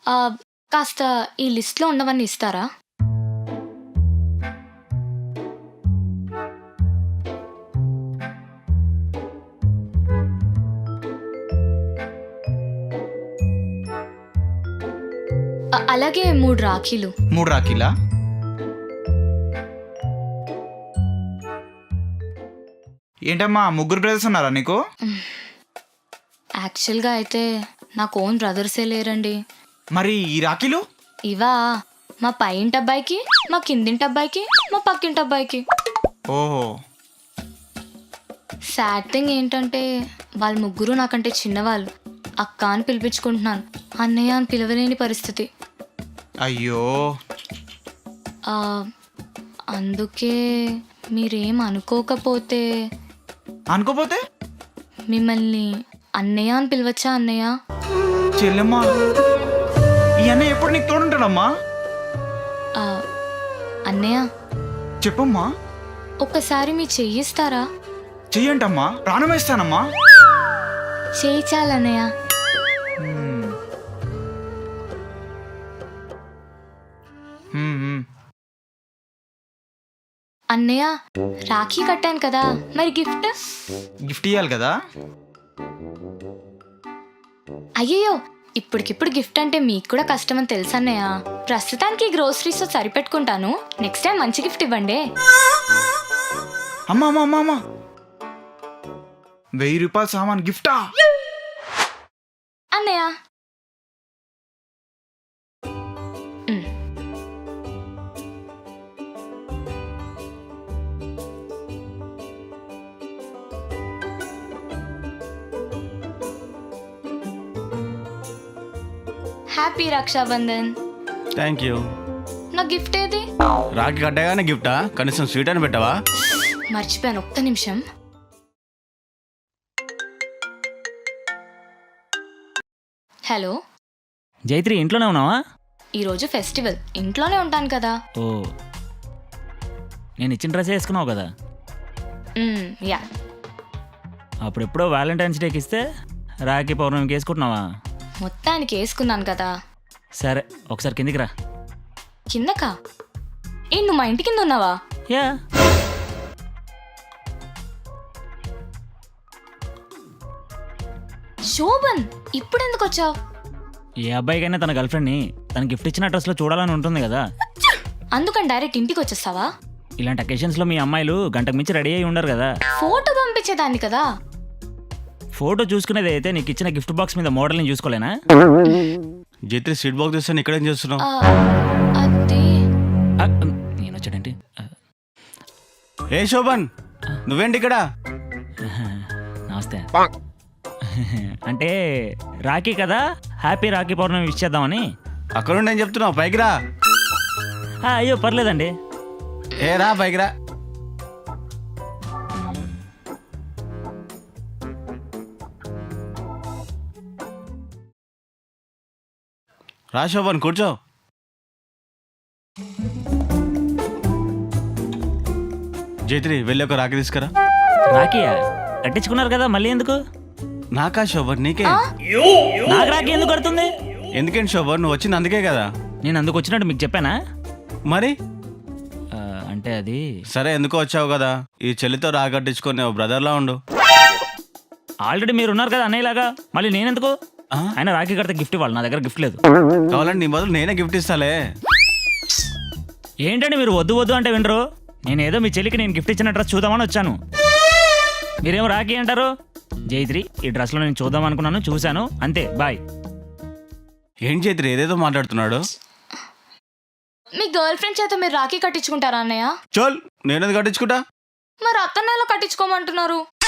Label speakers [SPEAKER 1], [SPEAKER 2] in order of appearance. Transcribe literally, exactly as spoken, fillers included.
[SPEAKER 1] ఆహ్, కాస్త ఈ లిస్ట్‌లో ఉన్నవన్నీ ఇస్తారా? అ అలాగే మూడు రాఖీలు.
[SPEAKER 2] మూడు రాఖీలా? ఏంటమ్మా ముగ్గురు బ్రదర్స్ ఉన్నారా నీకు?
[SPEAKER 1] యాక్చువల్‌గా అయితే నాకు ఓన్ బ్రదర్సే లేరండి.
[SPEAKER 2] మరి ఈ రాఖీలు?
[SPEAKER 1] ఇవా మా పైంటి అబ్బాయికి, మా కిందింటి అబ్బాయికి, మా పక్కింటి అబ్బాయికి.
[SPEAKER 2] ఓహో!
[SPEAKER 1] సాడ్ థింగ్ ఏంటంటే వాళ్ళు ముగ్గురు నాకంటే చిన్నవాళ్ళు. అక్క అని పిలిపించుకుంటున్నాను. అన్నయ్య అని పిలవలేని పరిస్థితి.
[SPEAKER 2] అయ్యో!
[SPEAKER 1] ఆ, అందుకే మీరేం అనుకోకపోతే
[SPEAKER 2] అనుకోపోతే
[SPEAKER 1] మిమ్మల్ని అన్నయ్య అని పిలవచ్చా అన్నయ్య?
[SPEAKER 2] చెల్లెమ్మా, ఈ అన్నయ్య ఎప్పుడు నీకు తోడుంటాడమ్మా?
[SPEAKER 1] ఆ, అన్నయ్య
[SPEAKER 2] చెప్పమ్మా.
[SPEAKER 1] ఒక్కసారి మీ చెయ్యిస్తారా?
[SPEAKER 2] చెయ్యంటమ్మా, ప్రాణమేస్తానమ్మా.
[SPEAKER 1] చేయి చాలన్నయ్య.
[SPEAKER 2] హ్మ్. హ్మ్, హ్మ్.
[SPEAKER 1] అన్నయ్య రాఖీ కట్టాను కదా, మరి గిఫ్ట్?
[SPEAKER 2] గిఫ్ట్ ఇవ్వాలి కదా?
[SPEAKER 1] అయ్యయ్యో, ఇప్పటికిప్పుడు గిఫ్ట్ అంటే మీకు కూడా కష్టమని తెలుసు అన్నయ్య. ప్రస్తుతానికి గ్రోసరీస్తో సరిపెట్టుకుంటాను. నెక్స్ట్ టైం మంచి గిఫ్ట్ ఇవ్వండి.
[SPEAKER 2] అమ్మా అమ్మా అమ్మా అమ్మా, వెయ్యి రూపాయల సామాన్ గిఫ్టా?
[SPEAKER 1] అన్నయ్య ఉమ్. హ్యాపీ రక్షాబంధన్.
[SPEAKER 3] Thank you.
[SPEAKER 1] నా గిఫ్ట్ ఏది?
[SPEAKER 3] రాఖీ కట్టగానే గిఫ్టా? కనీసం స్వీట్ అని పెట్టవా?
[SPEAKER 1] మర్చిపోయాను, ఒక్క నిమిషం. హలో,
[SPEAKER 4] జైత్రి ఇంట్లోనే ఉన్నావా?
[SPEAKER 1] ఈరోజు ఫెస్టివల్, ఇంట్లోనే ఉంటాను కదా.
[SPEAKER 4] ఓ, నేను ఇచ్చిన డ్రెస్ వేసుకున్నావు కదా.
[SPEAKER 1] మ్మ్, యా.
[SPEAKER 4] అప్పుడెప్పుడో వ్యాలంటైన్స్ డేకి ఇస్తే రాఖీ పౌర్ణమికి వేసుకుంటున్నావా?
[SPEAKER 1] మొత్తానికి వేసుకున్నాను కదా.
[SPEAKER 4] సరే ఒకసారి కిందికి రా.
[SPEAKER 1] కిందకా? ఏ నువ్వు మా ఇంటి కింద ఉన్నావా?
[SPEAKER 4] యా.
[SPEAKER 1] శోభన్, ఇప్పుడు ఎందుకు వచ్చావు?
[SPEAKER 4] ఏ అబ్బాయికైనా తన గర్ల్ ఫ్రెండ్ని తన గిఫ్ట్ ఇచ్చిన డ్రెస్లో చూడాలని ఉంటుంది కదా.
[SPEAKER 1] అందుకని డైరెక్ట్ ఇంటికి వచ్చేస్తావా?
[SPEAKER 4] ఇలాంటి అకేషన్స్లో మీ అమ్మాయిలు గంటకు మించి రెడీ అయి ఉండరు కదా.
[SPEAKER 1] ఫోటో పంపించేదాన్ని కదా.
[SPEAKER 4] ఫోటో చూసుకునేది అయితే నీకు ఇచ్చిన గిఫ్ట్ బాక్స్ మీద మోడల్ని చూసుకోలేనా?
[SPEAKER 3] జైత్రి స్వీట్ బాక్స్ తెస్తాను, ఇక్కడేం చేస్తున్నావు?
[SPEAKER 1] ఆ, అది
[SPEAKER 4] ఆ, నేను వచ్చాడంటే ఆ,
[SPEAKER 3] ఏ శోభన్, నువ్వేంటి ఇక్కడ?
[SPEAKER 4] నమస్తే. అంటే రాఖీ కదా, హ్యాపీ రాఖీ పౌర్ణమి విష్ చేద్దామని.
[SPEAKER 3] అక్కడ నుండి ఏం చెప్తున్నావు? పైకి రా.
[SPEAKER 4] ఆ, అయ్యో పర్లేదండి.
[SPEAKER 3] ఏ రా పైకి రా. రా శోభన్, కూర్చో. జైత్రి వెళ్ళి ఒక రాఖీ తీసుకురా.
[SPEAKER 4] రాఖీయా? కట్టించుకున్నారు కదా, మళ్ళీ ఎందుకు?
[SPEAKER 3] నాకా శోభన్? నీకే.
[SPEAKER 4] నాకు రాఖీ ఎందుకు కడుతుంది?
[SPEAKER 3] ఎందుకేంటి శోభన్, నువ్వు వచ్చింది అందుకే కదా.
[SPEAKER 4] నేను అందుకు వచ్చినట్టు మీకు చెప్పానా?
[SPEAKER 3] మరి
[SPEAKER 4] ఆ, అంటే అది
[SPEAKER 3] సరే, ఎందుకో వచ్చావు కదా, ఈ చెల్లితో రాఖీ కట్టించుకొని ఓ బ్రదర్లా ఉండు.
[SPEAKER 4] ఆల్రెడీ మీరు ఉన్నారు కదా అన్నయ్యలాగా, మళ్ళీ నేనెందుకు?
[SPEAKER 3] ఆ?
[SPEAKER 4] ఆయన రాఖీ కడితే గిఫ్ట్ ఇవ్వాలి, నా దగ్గర గిఫ్ట్ లేదు.
[SPEAKER 3] కావాలంటే నీ బదులు నేనే గిఫ్ట్ ఇస్తాలే.
[SPEAKER 4] ఏంటండి మీరు వద్దు వద్దు అంటే వినరు? నేను ఏదో మీ చెల్లికి నేను గిఫ్ట్ ఇచ్చిన డ్రెస్ చూద్దామని వచ్చాను, మీరేమో రాఖీ అంటారు. జైత్రి, ఈ డ్రెస్లో నేను చూద్దాం అనుకున్నాను, చూశాను, అంతే, బాయ్.
[SPEAKER 3] ఏంటి జైత్రి ఏదేదో మాట్లాడుతున్నాడు?
[SPEAKER 1] మీ గర్ల్ ఫ్రెండ్ చేత మీరు రాఖీ కట్టించుకుంటారా అన్నయ్య?
[SPEAKER 3] చోల్, నేనేది కట్టించుకుంటా.
[SPEAKER 1] మరి అత్తన్నలో కట్టించుకోమంటున్నారు.